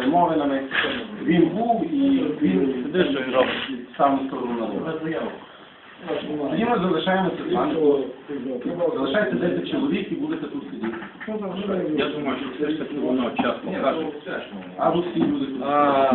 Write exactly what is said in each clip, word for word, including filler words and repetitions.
перемовинами. Він був і він сам сторону народу. Тоді ми залишаємося з вами. Залишається десять чоловік і будете тут сидіти. Я думаю, що все ж таки воно час покаже. А ви всі люди тут.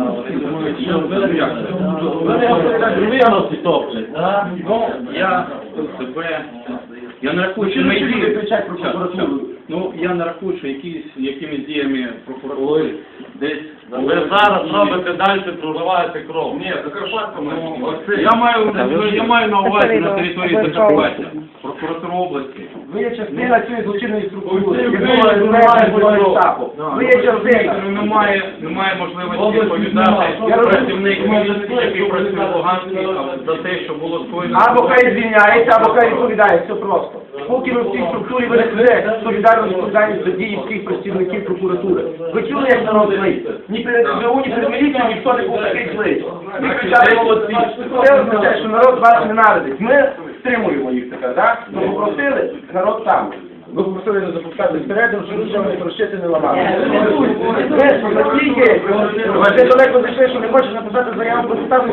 Ну, я себе... Я не рахую, що ми люди кричать про прокуратуру? Ну, я не рахую, що якісь, якимись діями прокуратури десь... Ви зараз робите далі, проливаєте кров. Ні, Закарпаття Я маю, я маю на увазі на території Закарпаття, прокуратура області. Ви є частина цієї злочинної структури. Ви є частина. Немає, немає можливості відповідати працівник міліції, який працює в Луганській, за те, що було скоєно. Або хай звільняється, або хай відповідає. Все просто. Поки ви в цій структурі ви несете солідарну відповідальність за дії всіх працівників прокуратури. Ви чули, як народ злий? Ні перед СБУ, ні перед міліцією ніхто не був такий злий. Ви кричали молодці. Це означає, що народ вас ненавидить. Ми стримуємо їх тепер, так? Ми попросили, народ сам. Ви попросили не запускати всередину, щоб нічого не прощити, не ламати. Ви настільки, ви далеко зайшли, що не хочеш написати заяву про ставку,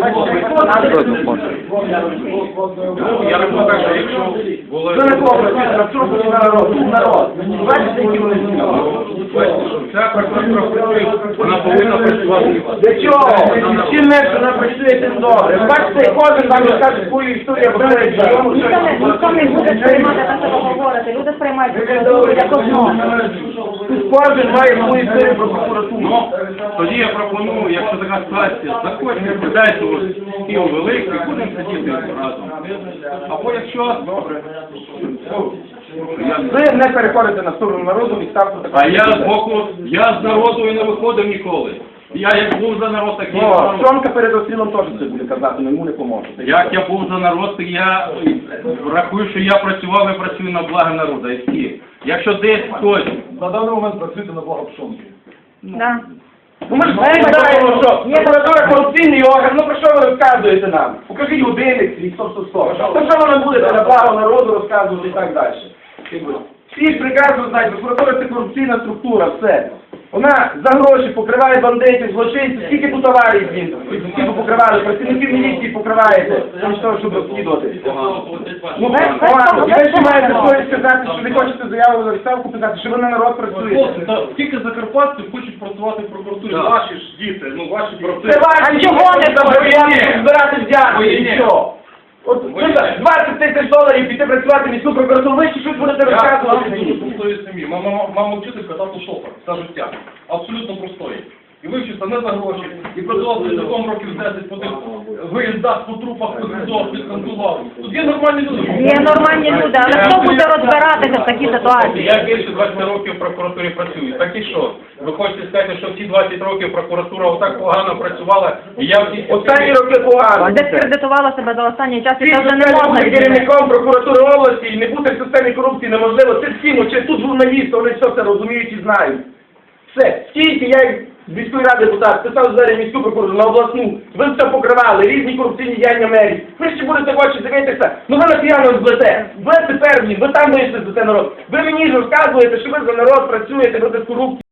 Я рахую так, що якщо було... ви не попросили, на цьому на народ, народ. Бачите, які вони Ця прокуратура, вона повинна працювати. для чого? Чим менше вона працює, тим добре. Ви бачите, кожен вам розкаже свою історію, а ви Ніхто не буде сприймати те, що ви говорите. Люди сприймають прокуратуру як одно. кожен має свою історію про прокуратуру. Ну, тоді я пропоную, якщо така ситуація, заходьте, подайте у стіл великий, будемо сидіти разом. Або якщо... Добре. Ви не переходите на сторону народу і ставте таку. А я з боку, я з народу і не виходив ніколи. Я як був за народ, так і О, за народ. Сьомка перед обстрілом теж це буде казати, але йому не поможе. Як я був за народ, то я рахую, що я працював і працюю на благо народу. І всі. Якщо десь хтось... На даний момент працюєте на благо Пшонки. Да. Ну ми ж знаємо, що прокуратура корупційний орган, ну про що ви розказуєте нам? Покажіть годинник свій, стоп, стоп, стоп. То що ви нам будете на благо народу розказувати і так далі? Всі ж прекрасно знають, прокуратура це корупційна структура, все. Вона за гроші покриває бандитів, злочинців, скільки тут аварій він, скільки покривали, працівників міліції покриваєте, замість того, щоб розслідувати. Ну, погано. І ви ще маєте совість сказати, що не хочете заяву на відставку писати, що ви на народ працюєте. Тільки закарпатці хочуть працювати в прокуратурі. Ваші ж діти, ну ваші брати. Це ваші А чого не забороняти збирати взятки, і що? От двадцять тисяч доларів піти працювати в міську прокуратуру, ви ще щось будете розказувати мені. Простої сім'ї. Мама, мама вчителька, тато шофер. Все життя. Абсолютно простої. І вивчився не за гроші. І працював працівником років десять по тих виїздах, по трупах, по СІЗО, підконтролював. Тут є нормальні люди. Є нормальні люди, але хто буде розбиратися в такій ситуації? Я більше двадцяти років в прокуратурі працюю. Так і що? Ви хочете сказати, що всі двадцять років прокуратура отак погано працювала, і я всі... Останні роки погано. Дискредитувала себе за останній час, і Всі це вже не бути можна відмінити. керівником прокуратури області і не бути в системі корупції неможливо. Це всім, чи тут журналісти, вони все це розуміють і знають. Все. Скільки я як з міської ради депутат писав зараз міську прокуратуру на обласну, ви все покривали, різні корупційні діяння мерії. Ви ще будете в очі дивитися, ну ви на п'яно зблете. Ви тепер, ви там вийшли за це народ. Ви мені ж розказуєте, що ви за народ працюєте, ви без корупції.